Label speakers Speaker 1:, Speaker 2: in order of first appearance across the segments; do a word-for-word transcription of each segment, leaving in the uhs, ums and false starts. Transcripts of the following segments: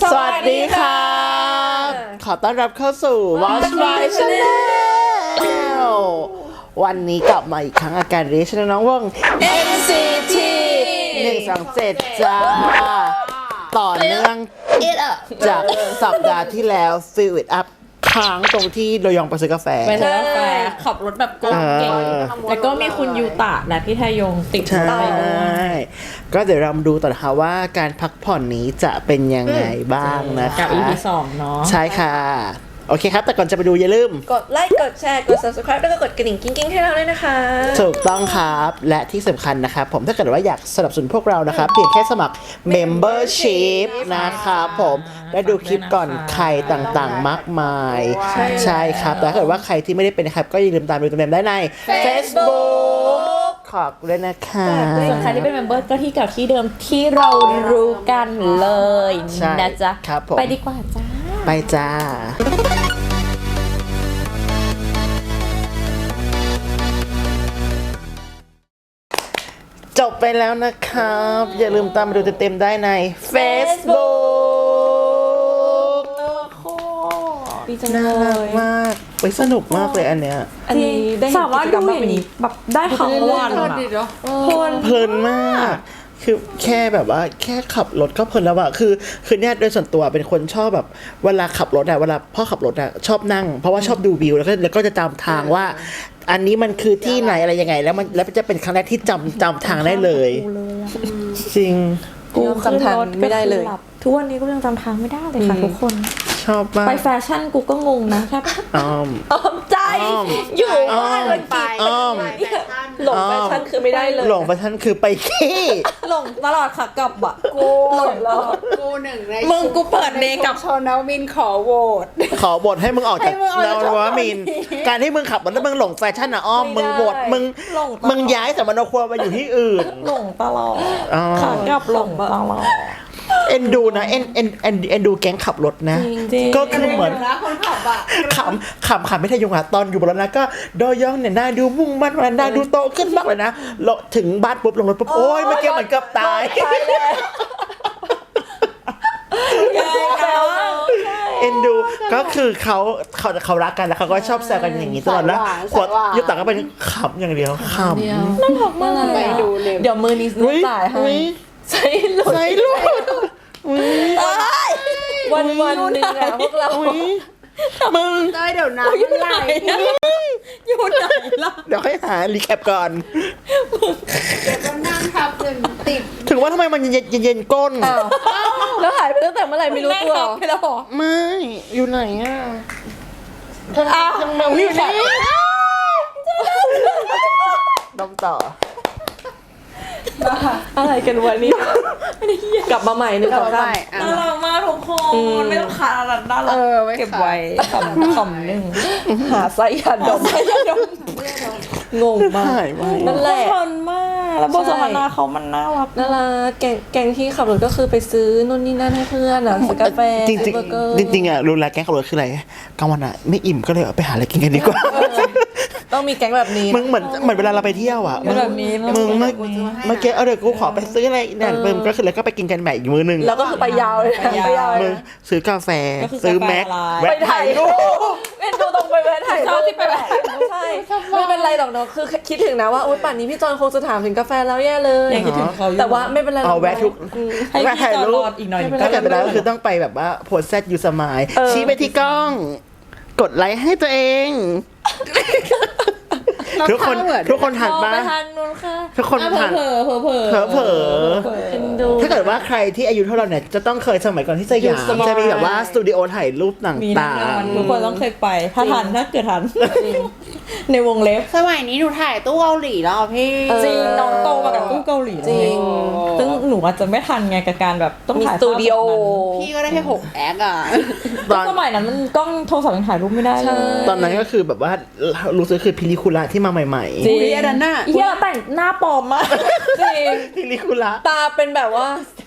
Speaker 1: สวัสดีค่ะขอต้อนรับเข้าสู่ Watch My Channel วันนี้กลับมาอีกครั้งอาการเรชน้องวง
Speaker 2: เอ็น ซี ที
Speaker 1: หนึ่ง สอง เจ็ดจ้าต่อเนื่องจากสัปดาห์ที่แล้ว Fill It Up ค้างตรงที่โดยองไปซื้อกาแฟ
Speaker 2: ไปซื้อกาแฟขับรถแบบโกงเก่งแล้วก็มีคุณยูตะและพี่ทยงติด
Speaker 1: ใช่
Speaker 2: ไปด้วย
Speaker 1: ก็เดี๋ยวเรามาดูต่อนะคะว่าการพักผ่อนนี้จะเป็นยังไงบ้างนะคะ
Speaker 2: กับ อี พี สองเนาะ
Speaker 1: ใช่ค่ะ โอเคครับ แต่ก่อนจะไปดูอย่าลืม
Speaker 3: กดไลค์ กดแชร์ กด Subscribe แล้วก็กดกระดิ่งกิ๊งๆให้เราด้วยนะคะ
Speaker 1: ถูกต้องครับ และที่สำคัญนะครับผมถ้าเกิดว่าอยากสนับสนุนพวกเรานะครับเพียงแค่สมัคร Membership นะครับผมและดูคลิปก่อนใครต่างๆมากมาย ใช่ครับ แต่ถ้าเกิดว่าใครที่ไม่ได้เป็นนะครับก็อย่าลืมตามดูเต็มๆได้ใน Facebook ขอบคุณด้วยนะคะ
Speaker 2: ส่วนใครที่เป็นเมมเบอร์ก็ที่เก่าที่เดิมที่เรารู้กันเลย
Speaker 1: ใช่
Speaker 2: นะจ๊ะ
Speaker 1: ครับผม
Speaker 2: ไปดีกว่าจ้า
Speaker 1: ไปจ้า จบไปแล้วนะครับ อย่าลืมตามมาดูเต็มๆได้ใน Facebook
Speaker 2: ดีจัง
Speaker 1: น่า
Speaker 2: เล
Speaker 1: รัก
Speaker 2: ย
Speaker 1: มากไปสนุกมากเลยอันเนี้ย
Speaker 3: อันนี้ได้
Speaker 2: สามารถดูอย่างนี้แบบได้ทั้งวันอะเพลิน
Speaker 1: เพลินมาก คือแค่แบบว่าแค่ขับรถก็เพลินแล้วอะคือคือเนี่ยโดยส่วนตัวเป็นคนชอบแบบเวลาขับรถอะเวลาพ่อขับรถอะชอบนั่ง เพราะว่าชอบดูวิวแล้วก็แล้วก็จะจำทางว่า อันนี้มันคือที่ไหนอะไรยังไง แล้วมันแล้วจะเป็นครั้งแรกที่จำจำทางได้เลย จริง
Speaker 3: กูจำทางไม่ได้เลย
Speaker 2: ทุกวันนี้ก็ยังจำทางไม่ได้เลยค่ะทุกคน
Speaker 1: ชอบมาก
Speaker 2: ไปแฟชั่นกูก็งงนะแค่
Speaker 1: อ้อม
Speaker 3: อ้อมใจ
Speaker 1: อ้อม
Speaker 3: อยู่บ้านเลยไป
Speaker 1: อ้อม
Speaker 3: หลงแฟชั่นคือไม่ได้เลย
Speaker 1: หลงไปท่านคือไปขี้
Speaker 2: หลงตลอดค่ะกลับอ่ะ
Speaker 4: กู
Speaker 2: หลงแล้ว
Speaker 4: กูหนึ่งใน
Speaker 2: มึงกูเปิดเนกับ
Speaker 4: ชนเอามินขอโหวต
Speaker 1: ขอบทให้มึงออกจาก
Speaker 4: ให้มึงออก
Speaker 1: น
Speaker 4: จาก
Speaker 1: วมินทร์การที่มึงขับรถแล้วมึงหลงแฟชั่นอะอ้อมมึงบทมึง
Speaker 2: หลงตลอด
Speaker 1: มึงย้ายสมณครัวมาอยู่ที่อื่น
Speaker 2: หลงตลอด
Speaker 1: อ๋อ
Speaker 2: ขากลับหลงตลอด
Speaker 1: เอ็นดูนะเอ็นเอ็นเอ็นเอ็นดูแก๊งขับรถนะ
Speaker 2: จริงๆ
Speaker 1: ก็คือเหมือน
Speaker 4: นะคนขับอ่ะ
Speaker 1: ขำขำขำไม่ทะยงอะตอนอยู่บนรถนะก็ดอยองเนี่ยหน้าดูมุ่งมั่นมาหน้าดูโตขึ้นมากเลยนะลงถึงบ้านปุ๊บลงรถปุ๊บโอ้ยเมื่อกี้เหมือนเกือบตาย เอ็นดูก็คือเขาเขาเขารักกันแล้วเขาก็ชอบแซวกันอย่างนี้ตลอดนะกดยุตาก็เป็นขำอย่างเดียวขำ
Speaker 2: น่ารักมากเลย
Speaker 4: ไป
Speaker 2: อะ
Speaker 4: ดูเลย
Speaker 2: เดี๋ยวมือนี้ซื้อ
Speaker 1: อุ๊ย
Speaker 2: จ่ายให้
Speaker 1: อุ๊ย
Speaker 3: ใช่หลุด
Speaker 1: ใส่ลูกอุ๊ย
Speaker 3: วันวันๆหนึงอะพวกเรา
Speaker 1: อุ๊ยมึง
Speaker 4: เต้ยเดี๋ยวน้ำมันไหล
Speaker 2: อยู่ไหนล่ะ
Speaker 1: เดี๋ยวให้หารีแคปก่อน
Speaker 4: เดี๋ยวก็นั่งทับจนติด
Speaker 1: ถึงว่าทำไมมันเย็นเย็นๆก้น
Speaker 3: อ้าวแล้วหายไปตั้งแต่เมื่อไหร่ไม่รู้ตัว
Speaker 2: ไปแล้วเหรอ
Speaker 1: ไม่ อยู่ไหนอ่ะ
Speaker 2: อ้าว
Speaker 1: อยู่ไหนดมต่อ
Speaker 3: อะไรกันวันนี้ กลับมาใหม่หนึ่งสองสาม
Speaker 4: อ่ะ
Speaker 2: น่ารักมากทุกคน ไม่ต้องขาดอะไรน่ารั
Speaker 4: เอก อไว้
Speaker 2: เก็บไว้ขำขำหนึ่ง
Speaker 3: หาไส้ยาดมงงมาก
Speaker 1: หายไป
Speaker 3: นั่นแหละ
Speaker 2: เพลินมากแล้วบทสนทนาเขามันน่ารัก
Speaker 3: น่ารักแกงแกงที่ขับรถก็คือไปซื้อนู่นนี่นั่นให้เพื่อนอ่ะซื้อกาแฟ
Speaker 1: จริง
Speaker 3: ซื้อเบอร์เกอร์
Speaker 1: ๆจริงๆอ่ะรู้แล้วแก๊งขับรถคืออะไรกลางวันอ่ะไม่อิ่มก็เลยเอาไปหาอะไรกินกันดีกว่า
Speaker 3: ต้องมีแก๊งแบบนี้
Speaker 1: มึงเหมือนเหมือนเวลาเราไปเที่ยวอ่ะ
Speaker 2: เป็นแบบนี้
Speaker 1: มึงเมื่อเมื่อกี้เอาเดี๋ยวกูขอไปซื้ออะไรเนี่ยเพิ่มก็คือแล้วก็ไปกินกันใหม่อีกมื้อนึง
Speaker 3: แล้วก็คือไปยาวเลยนะไปยาวเลย
Speaker 1: มึง
Speaker 3: นะ
Speaker 1: ซื้อกาแฟ
Speaker 2: ก็คือกาแฟ
Speaker 1: ซื้อแม็ก
Speaker 2: ลาย
Speaker 1: แวะถ่ายรูป
Speaker 3: เอ็นดูตรงไปแวะถ่าย
Speaker 2: ชอบที่ไปแวะ
Speaker 3: ใช่ไม่เป็นไรหรอกเนาะคือคิดถึงนะว่าโอ๊ยป่านนี้พี่จอนคงจะถามถึงกาแฟแล้วแย่เลย
Speaker 2: ยังคิดถึงเขาอยู่
Speaker 3: แต่ว่าไม่เป็นไรหรอก
Speaker 1: เอาแวะทุก
Speaker 3: อืม
Speaker 2: ให้
Speaker 1: แวะ
Speaker 2: พี่
Speaker 1: ถ่าย
Speaker 2: จอ
Speaker 1: รู
Speaker 2: ร
Speaker 1: ป
Speaker 2: อดอีกหน่อยหนึ่ง
Speaker 1: ถ้าเกิดไปแล้วก็คือต้องไปแบบว่าโพสแซดยูสมาย
Speaker 3: เออ
Speaker 1: ชี้ไปที่กล้อง กดไลค์ให้ตัวเอง ทุกคนทุกคนหัน
Speaker 2: มอง
Speaker 1: มา
Speaker 2: ไปทางนู้นค่ะ
Speaker 1: ทุกคน
Speaker 2: อ่ะ
Speaker 1: ผ่าน
Speaker 2: เผลอเผลอเผลอ
Speaker 1: เผลอเผลอ
Speaker 3: เอ็นดู
Speaker 1: ถ้าเกิดว่าใครที่อายุเท่าเราเนี่ยจะต้องเคยสมัยก่อนที่สยามจะมีแบบว่าสตูดิโอถ่ายรูปต
Speaker 2: มีแน่
Speaker 1: ่าน
Speaker 2: อน
Speaker 1: ง
Speaker 2: ทุกคนต้องเคยไป ถ้าทันถ้าเกิดทัน ในวงเล็บ
Speaker 4: สมัยนี้หนูถ่ายตู้เกาหลีแล้วอ่ะพี่
Speaker 3: เออ
Speaker 2: จริงน้องโตมากับตู้เกาหลี
Speaker 3: จริง
Speaker 2: ซึ่งหนูอาจจะไม่ทันไงกับการแบบต้อง
Speaker 3: มี
Speaker 2: ถ่าย
Speaker 3: สตูดิโอ
Speaker 4: พี่ก็ได้แค่หกแอคอ่ะ
Speaker 1: ต
Speaker 2: ต
Speaker 1: อ
Speaker 2: อน นสมัยนั้นมันกล้องโทรศัพท์ยังถ่ายรูปไม่ได้เลย
Speaker 1: ตอนนั้นก็คือแบบว่ารู้สึกคือพิลิคุระที่มาใหม่
Speaker 2: จริง
Speaker 4: อุ๊ยอันนั้นน่ะ
Speaker 2: เฮียแต่งหน้าปลอมมากจริง
Speaker 1: ๆพิลิคุระ
Speaker 3: ตาเป็นแบบว่า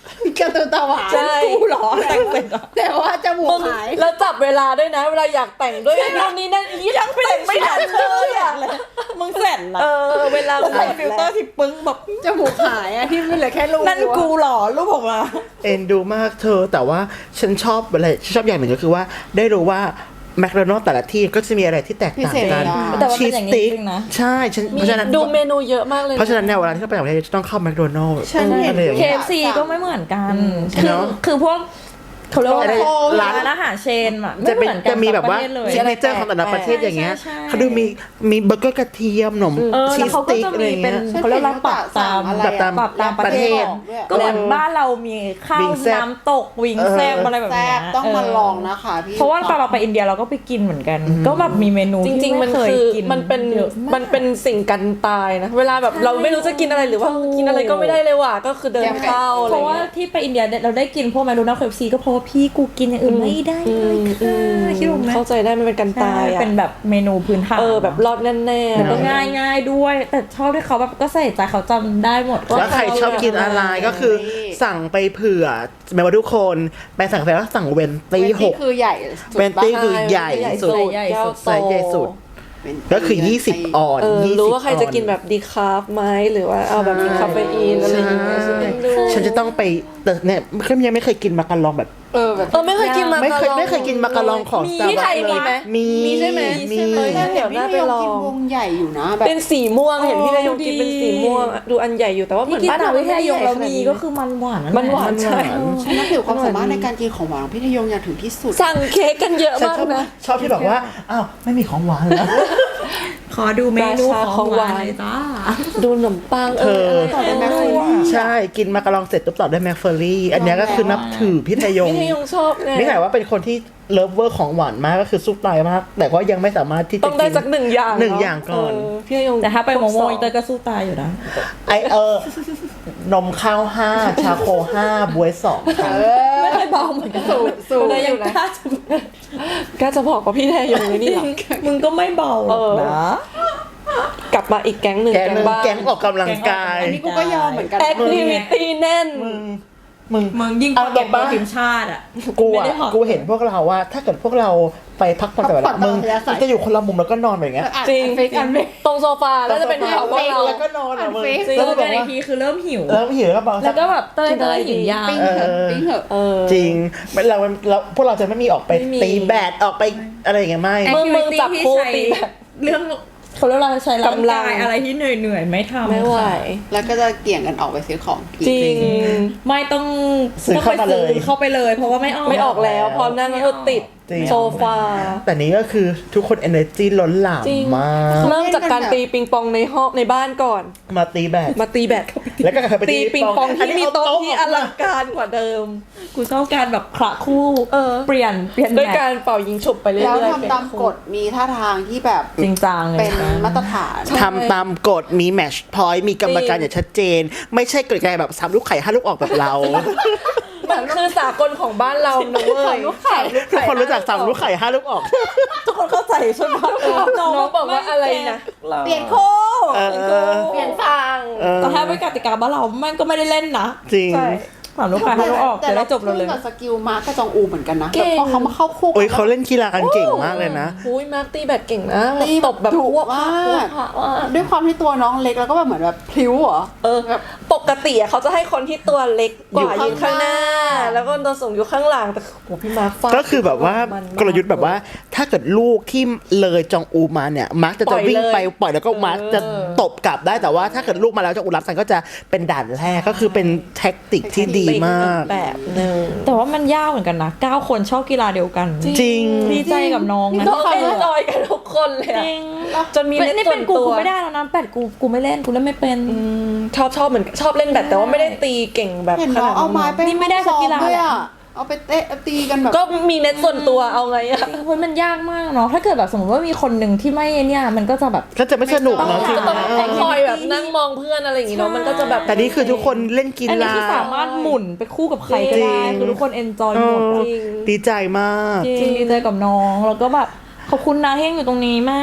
Speaker 4: การ์ตูนตาหวาน
Speaker 3: ใช่
Speaker 2: กูเหรอแต่งเป็นเหรอ
Speaker 4: แต่ว่าจมูก
Speaker 3: มึง
Speaker 4: หาย
Speaker 3: แล้วจับเวลาด้วยนะ เวลาอยากแต่งด้วยนู่นนี่นั่นยังแต่งไม่ทันเลยอ่ะ
Speaker 2: มึงเสร็จละ
Speaker 3: เออเวลา
Speaker 2: ใส่ฟิลเตอร์ที่ปึ้งแบบ
Speaker 4: จมูกหายอะที่มันเหลือแค่รู
Speaker 2: นั่นกูเหรอรูปออกมา
Speaker 1: เอ็นดูมากเธอแต่ว่าฉันชอบอะไรฉันชอบอย่างหนึ่งก็คือว่าได้รู้ว่าแมคโดนัลด์แต่ละที่ก็จะมีอะไรที่แตกต่างกัน
Speaker 2: แต่ว่า
Speaker 1: ชี
Speaker 2: เป็น
Speaker 1: ส
Speaker 2: อย่างนี้
Speaker 1: ติ๊ก
Speaker 2: จริงนะ
Speaker 1: ใช่ฉันเพ
Speaker 3: มี
Speaker 1: ราะฉะนั้น
Speaker 3: ดูเมนูเยอะมากเลย
Speaker 1: เพราะฉะนั้นเนี่ยเวลาที่เราไปต่างประเทศจะต้องเข้าแมคโดนัลด์
Speaker 4: ฉันเห็น
Speaker 1: อะไรอย่าง
Speaker 2: เค
Speaker 1: เงี้ย
Speaker 2: เอฟซีก็ไม่เหมือนกัน
Speaker 1: ใช่
Speaker 2: คือ
Speaker 1: เนอะ
Speaker 2: คือพวกเขาเรียกว่าอะไร
Speaker 1: ร้าน
Speaker 2: ร้านอาหารเชนอะ
Speaker 1: จะ
Speaker 2: ไม่
Speaker 1: เป็น
Speaker 2: เหมือนกัน
Speaker 1: จะมีแบบว่า
Speaker 2: ทุกประเทศเลย
Speaker 1: ซิกเนเจอร์ของแต่ละประเทศอย่างเงี้ย
Speaker 2: ใช่ใช่
Speaker 1: เขาดูมีมีเบอร์เกอร์กระเทียมขนม
Speaker 2: เออ
Speaker 1: ชี
Speaker 2: แล้ว
Speaker 1: ส
Speaker 2: เขาก็
Speaker 1: ติ๊ก
Speaker 2: จะ
Speaker 1: อะไร
Speaker 2: มี
Speaker 1: อย่าง
Speaker 2: เป็
Speaker 1: เงี้
Speaker 2: น
Speaker 1: ย
Speaker 2: เขาเรียกว่าปรับตาม
Speaker 1: ปรับตาม
Speaker 2: ปรับตามประเทศ
Speaker 1: ประเทศ
Speaker 2: ก็เหมือนบ้านเรามีข้าว
Speaker 1: วิงแซ่บ
Speaker 2: น้ำตกวิงแซบอะไรแบบ
Speaker 4: แซ่
Speaker 2: เนี้ย
Speaker 4: บต้องมา
Speaker 2: เ
Speaker 4: ลองนะคะพี่
Speaker 2: เพราะว่าตอนเราไปอินเดียเราก็ไปกินเหมือนกัน ก็แบบมีเมนู
Speaker 3: จ
Speaker 2: ที่
Speaker 3: ริงๆ มัน
Speaker 2: ไเคย
Speaker 3: คือ
Speaker 2: กิน
Speaker 3: มันเป็น
Speaker 2: ยอะาก
Speaker 3: มันเป็นสิ่งกันตายนะ เวลาแบบเราไม่รู้จะกินอะไรหรือว่ากินอะไรก็ไม่ได้เลยว่ะก็คือเดินเข้าอะไร
Speaker 2: เพราะว่า
Speaker 3: เงี้ย
Speaker 2: ที่ไปอินเดียเราได้กินพวกแมคโดนัลด์เคเอฟซีก็เพราะว่าพี่กูกินอย่างอื่นไม่ได้เลยค่ะคิดถูกไหม
Speaker 3: เข้าใจได้มันเป็นกันตายอ่ะ
Speaker 2: เป็นแบบเมนูพื้นฐาน
Speaker 3: เออแบบรอดแน่ๆ
Speaker 2: แล้วก็
Speaker 3: แล้ว
Speaker 2: ง่ายง่ายๆด้วย แต่ชอบที่เขาแบบก็ใส่ใจเขาจำได้หมด
Speaker 1: แล้วใครชอบกินอะไรก็คือสั่งไปเผื่อแม้ว่าทุกคนไปสั่งไปว่าสั่งเวนตี้
Speaker 4: เวน
Speaker 1: ห
Speaker 4: ตี้
Speaker 1: ก
Speaker 4: คือใหญ่สุด
Speaker 1: เวนตี้คือใหญ่
Speaker 3: ใหญ่
Speaker 1: สุด
Speaker 3: สุด
Speaker 2: ใหญ่สุด
Speaker 1: ไซส์ใหญ่สุด
Speaker 4: เป็น
Speaker 1: ก็คือยี่สิบออน
Speaker 3: เออ
Speaker 1: ยี่สิบ
Speaker 3: รู้ว่าใครจะกิน
Speaker 1: ออ
Speaker 3: แบบดีคาร์บไหมหรือว่าเอาแบบมีคาเฟอีนอะไรอย่างเงี้ยฉันไม่รู้
Speaker 1: ฉันจะต้องไปแต่เนี่ยก็ยังไม่เคยกินมาการองแบบ
Speaker 4: เออแบบ
Speaker 3: เออไม่เคยกินมา
Speaker 1: ไม่เคย
Speaker 3: การอง
Speaker 1: ไม่เคยกินมาการองของ
Speaker 3: มี
Speaker 1: Starbucks
Speaker 3: ที่ไทยมีไหม
Speaker 1: มี
Speaker 3: มีใช่ไหม
Speaker 1: มี
Speaker 3: เออน่า
Speaker 4: เดี๋
Speaker 3: เดี๋
Speaker 4: ย
Speaker 3: ยว ว
Speaker 4: น่า
Speaker 3: น่า
Speaker 4: ไป
Speaker 3: ไป
Speaker 4: ล
Speaker 3: ล
Speaker 4: อ
Speaker 3: อง ง
Speaker 4: กินวงใหญ่อยู่นะแบบ
Speaker 3: เป็นสีม่วงเห็นพี่นายงกิน
Speaker 2: ดี
Speaker 3: เป็นสีม่วงดูอันใหญ่อยู่แต่ว่าเห
Speaker 2: ที่
Speaker 3: มือน
Speaker 2: กิน
Speaker 3: บ้าน
Speaker 2: ตาม
Speaker 3: เรา
Speaker 2: วิทยายงเรามีก็
Speaker 3: อ
Speaker 2: คือมันหวาน
Speaker 3: มันหวานใช่
Speaker 4: ฉันนับถือความสามารถในการกินของหวานของพี่ทยงอย่างถึงที่สุด
Speaker 3: สั่งเค้กกันเยอะ
Speaker 1: ฉัน
Speaker 3: มาก
Speaker 1: ชอบ
Speaker 3: นะ
Speaker 1: ชอบที่แบบว่าอ้าวไม่มีของหวานแล้ว
Speaker 2: ขอดูเมนูของหวานเลยจ้า
Speaker 3: ดูขนมปังเออ
Speaker 1: เธอ
Speaker 3: ต่อ
Speaker 4: เป็
Speaker 3: เป็น น
Speaker 4: แม
Speaker 3: แม
Speaker 4: ค
Speaker 3: ค
Speaker 4: โฟ
Speaker 3: โฟ
Speaker 4: ลี่
Speaker 1: ใช่กินมาการองเสร็จตุ๊บต่อด้วยแมคเฟอรี่ อันเนี้ยก็คือนับถือพี่ทยง
Speaker 3: พี่ทยงชอบไง
Speaker 1: นี่แต่ว่าเป็นคนที่เลิฟเวอร์ของหวานมากก็คือซุปตายมาก แต่ก็ยังไม่สามารถที่จะ
Speaker 3: ต้องได้
Speaker 1: กิน
Speaker 3: สักหนึ่งอย่าง
Speaker 1: หนึ่ง
Speaker 3: เะ
Speaker 1: อย่างก่อน
Speaker 3: เพี่ทยง
Speaker 2: แต่ถ้าไปโมโม
Speaker 3: ครบสอง
Speaker 2: อินเตอร์ก็สู้ตายอยู่นะ
Speaker 1: ไอเออนมข้าวห้าชาโคห้าบวยสองค่ะ
Speaker 2: ไม่เคยเบาเหมือนกัน
Speaker 3: สูตรสูตร
Speaker 2: เลยยัง
Speaker 3: อยู่นะ
Speaker 2: กล้าจะ
Speaker 3: กล้าจะบอกว่าพี่ทยงเลยนี่เหรอ
Speaker 2: มึงก็ไม่เบาหรอกนะ
Speaker 3: กลับมาอีกแก๊งหนึ่ง
Speaker 1: แกงหนึ่ง
Speaker 3: บ้าน
Speaker 1: แกงออกกำลังกาย
Speaker 4: อันนี้กูก็ยอมเหมือนกัน
Speaker 3: แอคทิวิตี้แน่น
Speaker 1: มึงมึง
Speaker 2: มึงยิ่งก
Speaker 1: เอา
Speaker 2: ว่า
Speaker 1: ต
Speaker 2: เก็
Speaker 1: ร
Speaker 2: บ
Speaker 1: ง
Speaker 2: โปร
Speaker 1: ปะ
Speaker 2: ทีมชาติอ่ะ
Speaker 1: กู
Speaker 2: ไม่
Speaker 1: อ่ะ
Speaker 2: ได้หอก
Speaker 1: กูเห็นพวกเราว่า ถ้าเกิดพวกเราไปพักผ่อนแต่เวลามึงจะอยู่คนละมุมแล้วก็นอนแบบเงี้ย
Speaker 3: จริง
Speaker 4: เฟกอันเฟก
Speaker 3: ตรงโซฟาแล้วจะเป็นเขาพวกเรา
Speaker 1: แล้วก็นอนอ่ะมึง
Speaker 4: อันเฟซ
Speaker 2: แล้
Speaker 1: แล้ว ว
Speaker 2: ก็
Speaker 1: แบบ
Speaker 2: ใน
Speaker 1: ว่า
Speaker 2: ทีคือเริ่มหิว
Speaker 1: แล้วหิวแล้วก็บอก
Speaker 2: แล้วก็แบบเต้ยเต้ยหิวยาว
Speaker 4: ปิ้งเถอะปิ้งเถอะ
Speaker 3: เออ
Speaker 1: จริงเราเราพวกเราจะไม่มีออกไป
Speaker 3: ไม่มี
Speaker 1: ตีแบดออกไปอะไรอย่างเงี้ยไม่
Speaker 3: มึงมึงจับคู่ตีแบบ
Speaker 2: เรื่องเขาเรียกว่าใช้ร่าง
Speaker 3: กำลั
Speaker 2: กาง ยอะไรที่เหนื่อยเหนื่อยๆไม่ทำ
Speaker 3: ไม่ไหว
Speaker 2: ค่ะ
Speaker 4: แล้วก็จะเกี่ยงกันออกไปซื้อของกิน
Speaker 3: จริง
Speaker 2: ไม่ต้อง
Speaker 1: ซื้อ
Speaker 2: ต้อง
Speaker 1: เข้า
Speaker 2: ไป
Speaker 1: มาเล
Speaker 2: ซื้อย เข้าไปเลย เพราะว่าไม่ออก
Speaker 3: ไม่ออกแล้วพอนั่งแล้วก็ติด
Speaker 1: จริง
Speaker 3: โซฟา
Speaker 1: แต่นี้ก็คือทุกคน energy ล้นหลาม
Speaker 3: จริง
Speaker 1: มาก
Speaker 3: เริ่มจากการตีปิงปองในห้องในบ้านก่อน
Speaker 1: มาตีแบด
Speaker 3: มาตีแบด
Speaker 1: แล้วก็กลับไป
Speaker 3: ตีปิงปองที่มีโต๊ะที่อลังการกว่าเดิม
Speaker 2: กูชอบการแบบคละคู่
Speaker 3: เออ
Speaker 2: เปลี่ยนเปลี่ยน
Speaker 3: ด้วย
Speaker 2: แมท
Speaker 3: การเป่ายิงฉุบไปเรื่อย
Speaker 4: แล้ว
Speaker 3: ๆ
Speaker 4: ทำตามกฎมีท่าทางที่แบบ
Speaker 2: จริงจังเลย
Speaker 4: เป็น
Speaker 2: นะ
Speaker 4: มาตรฐาน
Speaker 1: ทำตามกฎมีแมชพอยต์มีกรรมการอย่างชัดเจน ไม่ใช่กฎการแบบสามลูกไข่ห้าลูกออกแบบเรา
Speaker 3: มันคือสากลของบ้านเรานะเว้ย
Speaker 4: ลูกไข่
Speaker 1: ทุกคนรู้จักสามลูกไข่ห้าลูกออก
Speaker 2: ทุกคนเข้าใจใช่ไหม
Speaker 3: น้องบอกว่าอะไรนะ
Speaker 4: เปลี่ยนโค
Speaker 1: เออ
Speaker 3: เปลี่ยนฟัง
Speaker 1: เออ
Speaker 2: แต่ถ้าเป็นกติกาบ้านเราแม่งก็ไม่ได้เล่นนะ
Speaker 1: จริง
Speaker 3: ใช่
Speaker 2: สามลูกค้าให้ลูกออกจะได้จบเราเลย
Speaker 4: แต่กับสกิลมาร์กกับจองอูเหมือนกันนะ
Speaker 3: เก่ง
Speaker 4: แบบพอเขามาเข้าคู่
Speaker 1: โอ้ย
Speaker 4: กั
Speaker 1: เขาเล่นกีฬากันเก่งมากเลยนะ
Speaker 3: อุ้ยมาร์คตีแบดเก่งนะ
Speaker 4: ตี
Speaker 3: ตบแบบ
Speaker 4: ดุ
Speaker 3: พวก
Speaker 4: มาก
Speaker 3: พวกพระว่า
Speaker 4: ด้วยความที่ตัวน้องเล็กแล้วก็แบบเหมือนแบบพลิ้วเหรอ
Speaker 3: เออ
Speaker 4: แบบ
Speaker 3: ปกติอะเขาจะให้คนที่ตัวเล็กกว่า
Speaker 4: อยู่
Speaker 3: ยืนข้างหน้า
Speaker 4: ข้างหน้า
Speaker 3: แล้วก็ตัวสูงอยู่ข้างหลังแต่โหพี่มาร์คฟาด
Speaker 1: ก็คือแบบว่า
Speaker 3: มันม
Speaker 1: กลยุทธ์แบบว่า ถ้าเกิดลูกที่เลยจองอูมาเนี่ยมาร์กจะ
Speaker 3: ปล่
Speaker 1: จะ
Speaker 3: อย
Speaker 1: วิ่งไป
Speaker 3: เลย
Speaker 1: ปล่อยแล้วก็มาร์ก
Speaker 3: เออ
Speaker 1: จะตบกลับได้แต่ว่าถ้าเกิดลูกมาแล้วจองอูรับสันก็จะเป็นด่านแรกก็คือเป็นแท็กติกที่ดีมาก
Speaker 3: แบบหนึ่ง
Speaker 2: แต่ว่ามันยากเหมือนกันนะเก้าคนชอบกีฬาเดียวกัน
Speaker 1: จริง
Speaker 2: ดีใจกับน้องนะ
Speaker 3: น้องเอ็นจอยกันทุกคนเลย
Speaker 2: จ
Speaker 3: อะ
Speaker 2: ริง
Speaker 3: จนมี
Speaker 2: เป็น
Speaker 3: เล่น
Speaker 2: นี่
Speaker 3: ส่
Speaker 2: เป็
Speaker 3: วน น
Speaker 2: กู
Speaker 3: ตัว
Speaker 2: กูไม่ได้แล้วนะแปดกูกูไม่เล่นกูเล่นไม่เป็น
Speaker 3: อืมชอบชอบเหมือนชอบเล่นแบดแต่ว่าไม่ได้ตีเก่งแบบ
Speaker 4: เห็น
Speaker 3: ข
Speaker 4: น้อ
Speaker 3: นาด
Speaker 4: งเอาไม้
Speaker 3: นั้น
Speaker 4: ไป
Speaker 2: นี่ไม่ได้สักกีฬา
Speaker 4: ด้วยอ่ะเอาไปเตะตีกันแบบ
Speaker 3: ก็มีเน็ตส่วนตัวเอาไงอะ
Speaker 2: เฮ้ยมันยากมากเนาะถ้าเกิดแบบสมมติว่ามีคนหนึ่งที่ไม่เนี่ยมันก็จะแบบ
Speaker 1: ก็จะไม่สนุกเนาะจริง
Speaker 3: ก็ต้อง
Speaker 1: นะ
Speaker 3: ต้องคอยแบบนั่งมองเพื่อนอะไรอย่างงี้เนาะมันก็จะแบบ
Speaker 1: แต่นี่คือทุกคนเล่นกี
Speaker 2: อันนี้
Speaker 1: ฬา
Speaker 2: คือสามารถหมุนไปคู่กับใครก็
Speaker 1: จริ
Speaker 2: ได้
Speaker 1: ง
Speaker 2: คือทุกคนเอนจอย
Speaker 1: เอ
Speaker 2: หมด
Speaker 1: อ
Speaker 2: อะ
Speaker 3: จริง
Speaker 1: ดีใจมาก
Speaker 2: จริงดีใจกับน้องแล้วก็แบบขอบคุณนะที่ยังอยู่ตรงนี้มาก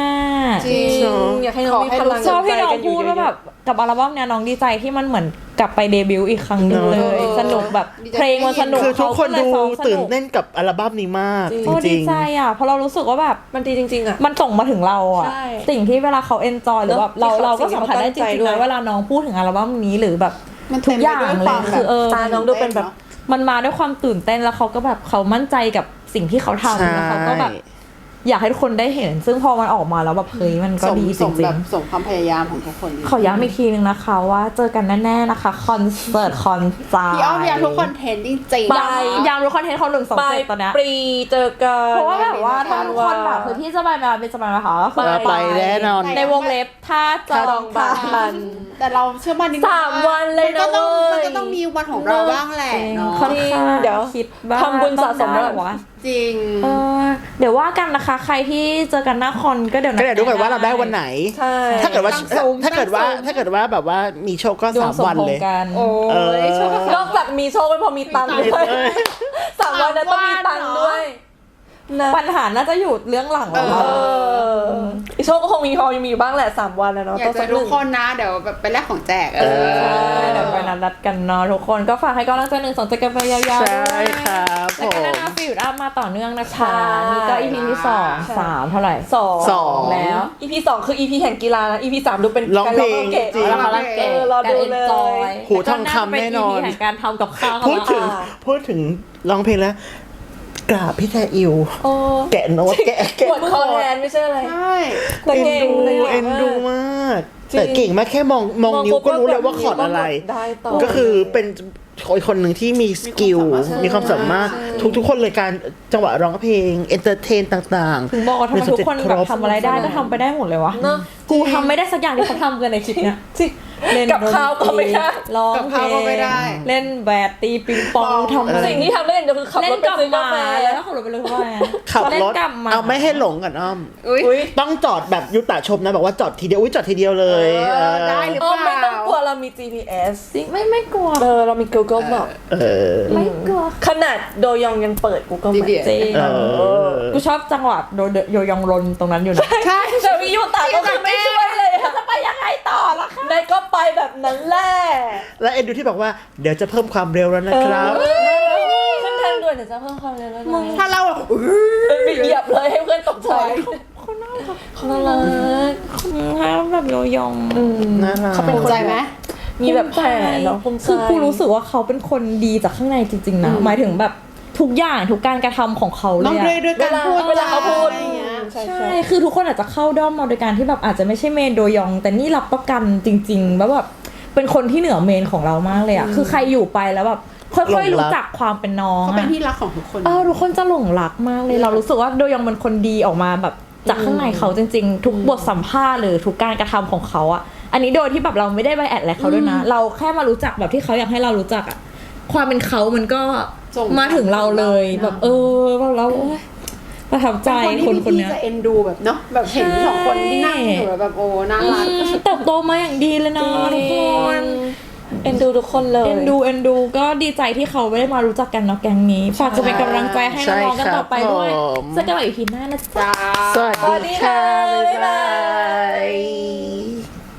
Speaker 4: จริง
Speaker 3: อยากให้น้องมีพลัง
Speaker 2: ชอบที่น้อง
Speaker 3: ใจกันยู่
Speaker 2: พูดว่าแบบกับอัลบั้มเนี้ยน้องดีใจที่มันเหมือนกลับไปเดบิวต์อีกครั้งหนึงเลย สนุกแบบเพลงมันสนุก
Speaker 1: คือทุกคนดู
Speaker 2: เขาก็เลยซ้อมส
Speaker 1: ตื่น
Speaker 2: นุก
Speaker 1: เต้นกับอัลบั้มนี้มากจ
Speaker 2: โอ้
Speaker 1: ริ
Speaker 2: ดี
Speaker 1: ง
Speaker 2: ใจอ่ะเพราะเรารู้สึกว่าแบบ
Speaker 3: มันดีจริงๆอ่ะ
Speaker 2: มันส่งมาถึงเราอ่ะ
Speaker 3: ใช่
Speaker 2: สิ่งที่เวลาเขาเอนจอยหรือแบบ
Speaker 3: เนอะ
Speaker 2: เรา
Speaker 3: ที่
Speaker 2: เรา
Speaker 3: เขา
Speaker 2: ก็สัมผัสได้จ
Speaker 3: สิ่งที่
Speaker 2: ริงๆ
Speaker 3: เขาตั้งใจด้วย
Speaker 2: นะเวลาน้องพูดถึงอัลบั้มนี้หรือแบบ
Speaker 4: มัน
Speaker 2: ทุ
Speaker 4: เต็
Speaker 2: ก
Speaker 4: ม
Speaker 2: อ
Speaker 4: ไป
Speaker 2: ย่าง
Speaker 4: ด้วย
Speaker 2: เล
Speaker 4: ควาย ม
Speaker 2: คือเออ
Speaker 3: ตาน้องดูเป็นแบบ
Speaker 2: มันมาด้วยความตื่นเต้นแล้วเขาก็แบบเขามั่นใจกับสิ่งที่เขา
Speaker 1: ใช่
Speaker 2: ทำแล้วเขาก็แบบอยากให้ทุกคนได้เห็น ซึ่งพอมันออกมาแล้วแบบเฮ้ยมันก็
Speaker 4: สม
Speaker 2: ดีจ
Speaker 4: สม
Speaker 2: ริ
Speaker 4: แบ
Speaker 2: ง
Speaker 4: บสมความพยายามของทุกคน
Speaker 2: ๆขอย้ำอีกทีนึงนะคะว่าเจอกันแน่ๆนะคะคอนเสิร์ตคอนซา
Speaker 4: พี่อ้อมอยากทุกคนเทนจริงๆ
Speaker 3: ไป
Speaker 2: ยามรู้คอนเทนต์เขาหนึ่งสอง
Speaker 3: ปลา
Speaker 2: เจ็
Speaker 3: ย
Speaker 2: ดตอนเนี้ย
Speaker 3: ปรีเจอกัน
Speaker 2: เพราะว่าแบบว่าถ้าทุกคนแบบคือที่จะไปมาเป็นจะไปมาค่ะก็คือ
Speaker 1: ๆ ไปแน่นอน
Speaker 2: ในวงเล็บถ้าจ
Speaker 3: จ
Speaker 2: อ
Speaker 3: อง งบ้าน
Speaker 4: แต่เราเชื่อมั่นนิดนึง
Speaker 3: สามวันเลยนะ
Speaker 4: มันก็ต้อง
Speaker 3: เว้ย
Speaker 4: มันก็ต้องมีวันของเราบ้างแหละเนาะ
Speaker 2: ค่อนข้าง
Speaker 3: เดี๋ยว
Speaker 2: คิดว่า
Speaker 3: ทำบุญสะสม
Speaker 2: ต้องได้
Speaker 3: แล้ว
Speaker 2: เหรอวะ
Speaker 4: จริง
Speaker 2: เออเดี๋ยวว่ากันนะคะ ใครที่เจอกันหน้าคอนก็เดี๋ยว
Speaker 1: ก็เดี๋ยวดูกันว่าเราได้วันไหน
Speaker 3: ใช่
Speaker 1: ถ้าเกิดว่า
Speaker 4: ตั้งซูม
Speaker 1: ถ้าเกิดว่า
Speaker 4: ตั้งซูม
Speaker 1: ถ้าเกิดว่าแบบว่ามีโชคก็
Speaker 2: ดว
Speaker 1: สาง ม
Speaker 2: สม
Speaker 1: วัน
Speaker 2: พง
Speaker 1: เลย
Speaker 2: ษ์กัน
Speaker 4: โอ้
Speaker 1: เออ
Speaker 4: ยโชคดี
Speaker 3: นอกจากมีโชคไม่พอมีตังค์ด้วย
Speaker 1: เออ
Speaker 3: สามวันนั้นต้องมีตังค์ด้วยนะ
Speaker 2: ปัญหาน่าจะอยู่เรื่องหลังแล้ว
Speaker 3: เอออีโชคก็คงมีพอมีอยู่บ้างแหละสามวันนะเนาะ
Speaker 4: อยาก
Speaker 3: ต้อง
Speaker 4: เจ
Speaker 3: สั
Speaker 4: อก
Speaker 3: ห
Speaker 4: ทุก
Speaker 3: นึ่ง
Speaker 4: คนนะเดี๋ยวแบบไปแลกของแจกเอ
Speaker 1: เอ
Speaker 4: อ
Speaker 2: ใช่เดี๋ยวไปนัดนัดกันเนาะทุกคนก็ฝากให้กำลังใจหนึ่งสองใจกันไปยาวๆ
Speaker 1: ใช่
Speaker 2: ด้วย
Speaker 1: ครับผ
Speaker 2: แล้วก็
Speaker 1: ม
Speaker 2: นานาฟิวดอัพมาต่อเนื่องนะคะ
Speaker 3: ใช่
Speaker 2: นี่ก็ อี พี ที่สอง
Speaker 3: ใช่
Speaker 2: สามเท่าไหร่
Speaker 3: สอง
Speaker 1: สอง
Speaker 2: แล้ว
Speaker 3: อีพีสองคือ อี พี แห่งกีฬานะ อี พี สามดูเป็น
Speaker 1: ร้องเพลง
Speaker 3: การ
Speaker 1: จริง
Speaker 2: แล้วเขาลังเก
Speaker 3: เออรอดูเลย
Speaker 2: การ enjoy
Speaker 1: หูทองคำแน่นอน
Speaker 2: ล้วก็าจะเป็น อี พี แห่งการทำกับข้าว
Speaker 1: พูดถึง
Speaker 3: อ่า
Speaker 1: พูดถึงร้องเพลงแล้ว กราบพี่แทอิว
Speaker 3: โอ้
Speaker 1: แกะโน้ตแกะแกะ
Speaker 3: ปวดคอแทนไม่ใช่อะไร
Speaker 4: ใช่
Speaker 3: แต่
Speaker 1: เอ็น
Speaker 3: เก่ง
Speaker 1: ดู
Speaker 3: เลย
Speaker 1: เอ็นดูมาก
Speaker 3: จริง
Speaker 1: แต่เก่งมากแค่มองมองนิ้วก็รู้เลยว่าคอร์ดอะไร
Speaker 3: ได้ต่อ
Speaker 1: ก็คือเป็นคนคนหนึ่งที่มีสกิล มีความสามารถทุกทุกๆคนเลยการจังหวะร้องเพลงเอนเตอร์เทนต่างๆ
Speaker 2: ถึงบอกว่าทำไมทุกคน
Speaker 1: เป็
Speaker 2: แบบ
Speaker 1: subject
Speaker 2: ทำอะไรได้ก็ทำไปได้หมดเลยวะ
Speaker 3: เนอะ
Speaker 2: กูทำไม่ได้สักอย่างที่เขาทำกันในคลิปเนี้ย
Speaker 3: จริง
Speaker 2: เล่น
Speaker 3: กับข้าวก็ไม่ได้
Speaker 2: ร้อง
Speaker 4: กับ
Speaker 2: เพล
Speaker 4: ข้าวก็ไม่
Speaker 2: ง
Speaker 4: ได้
Speaker 2: เล่นแบดตีปิงปองทำอะไร
Speaker 3: สิ่งที่ทำได้อย่างเดียวคือขับ
Speaker 2: เล่
Speaker 3: ร
Speaker 2: น
Speaker 3: ถไป
Speaker 2: กลับ
Speaker 3: ซื้อกา
Speaker 2: มา
Speaker 3: แฟ
Speaker 2: แล้วขับรถไปเลยเพราะว่า
Speaker 1: ขับ
Speaker 2: เล่
Speaker 1: ร
Speaker 2: น
Speaker 1: ถ
Speaker 2: กลับมา
Speaker 1: เอาไม่ให้หลงกันอ้อม
Speaker 4: อุ้ย
Speaker 3: อุ้ย
Speaker 1: ต้องจอดแบบยุตะชมนะบอกว่าจอดทีเดียวอุ้ยจอดทีเดียวเลย
Speaker 4: เออได้หรือ
Speaker 3: เอ
Speaker 4: เป
Speaker 3: อ
Speaker 4: ล่า
Speaker 3: ไม่ต้องกลัวเรามี จี พี เอส
Speaker 2: จริงไม่ไม่กลัว
Speaker 3: เออเรามี Google Map
Speaker 1: เออ
Speaker 2: ไม่กลัว
Speaker 3: ขนาดโดยองยังเปิด Google Map
Speaker 4: จริง
Speaker 2: จริง
Speaker 1: เออ
Speaker 2: กูชอบจังหวะโดโยยองรนตรงนั้นอยู่นะ
Speaker 4: ใช่
Speaker 3: แต่วิยูตาก็คือไม่ช่วยเลยอะ
Speaker 2: จะไปยังไงต่อล่ะคะ
Speaker 3: นายก็ไปแบบนั้นแหละ
Speaker 1: และเอ็นดูที่บอกว่าเดี๋ยวจะเพิ่มความเร็วแล้วนะครับ
Speaker 3: ขึ้นทางด่วนเดี๋ยวจะเพิ่มความเร็วแล้วนะ
Speaker 4: ถ้าเราแบบอุ๊ย
Speaker 3: เออไปเหยียบเลยให้เพื่อนตกใจ
Speaker 2: เขาน่ารัก
Speaker 3: เขาน่ารัก
Speaker 2: ให้แบบโยยอง
Speaker 1: น่ารัก
Speaker 3: เขาเป็น
Speaker 4: ภูมิใจไหม
Speaker 3: มีแบบแผลเนาะภูมิใจ
Speaker 2: คือกูรู้สึกว่าเขาเป็นคนดีจากข้างในจริงๆนะหมายถึงแบบทุกอย่างทุกการกระทำของเขาเล
Speaker 4: ต้อง
Speaker 2: ย
Speaker 4: ด้วย
Speaker 2: อะ
Speaker 4: ด้วย
Speaker 3: เว
Speaker 4: การ
Speaker 3: ลา
Speaker 4: พูด
Speaker 3: เวลาเขาพูด
Speaker 4: อะไรอย่างเงี้ย
Speaker 3: ใช่
Speaker 2: ใช่
Speaker 3: ใช่
Speaker 2: คือทุกคนอาจจะเข้าด้อมมาโดยการที่แบบอาจจะไม่ใช่เมนโดยอง แต่นี่รับประกันจริงๆว่าแบบเป็นคนที่เหนือเมนของเรามากเลยอะคือใครอยู่ไปแล้วแบบค่อยๆรู้จักความเป็นน้อง
Speaker 4: เขาเป็น
Speaker 2: อะ
Speaker 4: ที่รักของทุกคน
Speaker 2: เออทุกคนจะหลงรักมากเลย เรารู้สึกว่าโดยองเป็นคนดีออกมาแบบจากข้างในเขาจริงๆ ทุกบทสัมภาษณ์หรือทุกการกระทำของเขาอะอันนี้โดยที่แบบเราไม่ได้ไปแอดอะไรเขาด้วยนะ เราแค่มารู้จักแบบที่เขาอยากให้เรารู้จักอะความเป็นเขามันก็
Speaker 4: ส่ง
Speaker 2: มาถึงเราเลยแบบเออเราเราโอ๊ยประทับใจ
Speaker 4: เป็น
Speaker 2: คน
Speaker 4: ที่
Speaker 2: คน
Speaker 4: พี่
Speaker 2: เนี้ย
Speaker 4: จะเอ็นดูแบบเนาะแบบเห็นสองคนที่นั่งอยู่แบบโอ้น่ารัก
Speaker 2: อืมเติบโตมาอย่างดีเลยนะทุกคน
Speaker 3: เอ็นดูทุกคนเลย
Speaker 2: เอ็นดูเอ็นดูก็ดีใจที่เขาไม่ได้มารู้จักกันเนาะแก๊งนี้ฝากจะเป็นกำลังใจให้น้องๆกันต่อไปด้วย
Speaker 1: ใช่ครับผม
Speaker 2: เจอกันใหม่อีพีหน้านะจ๊ะ
Speaker 4: จ้า
Speaker 1: สวัสดีค่ะ บ๊ายบาย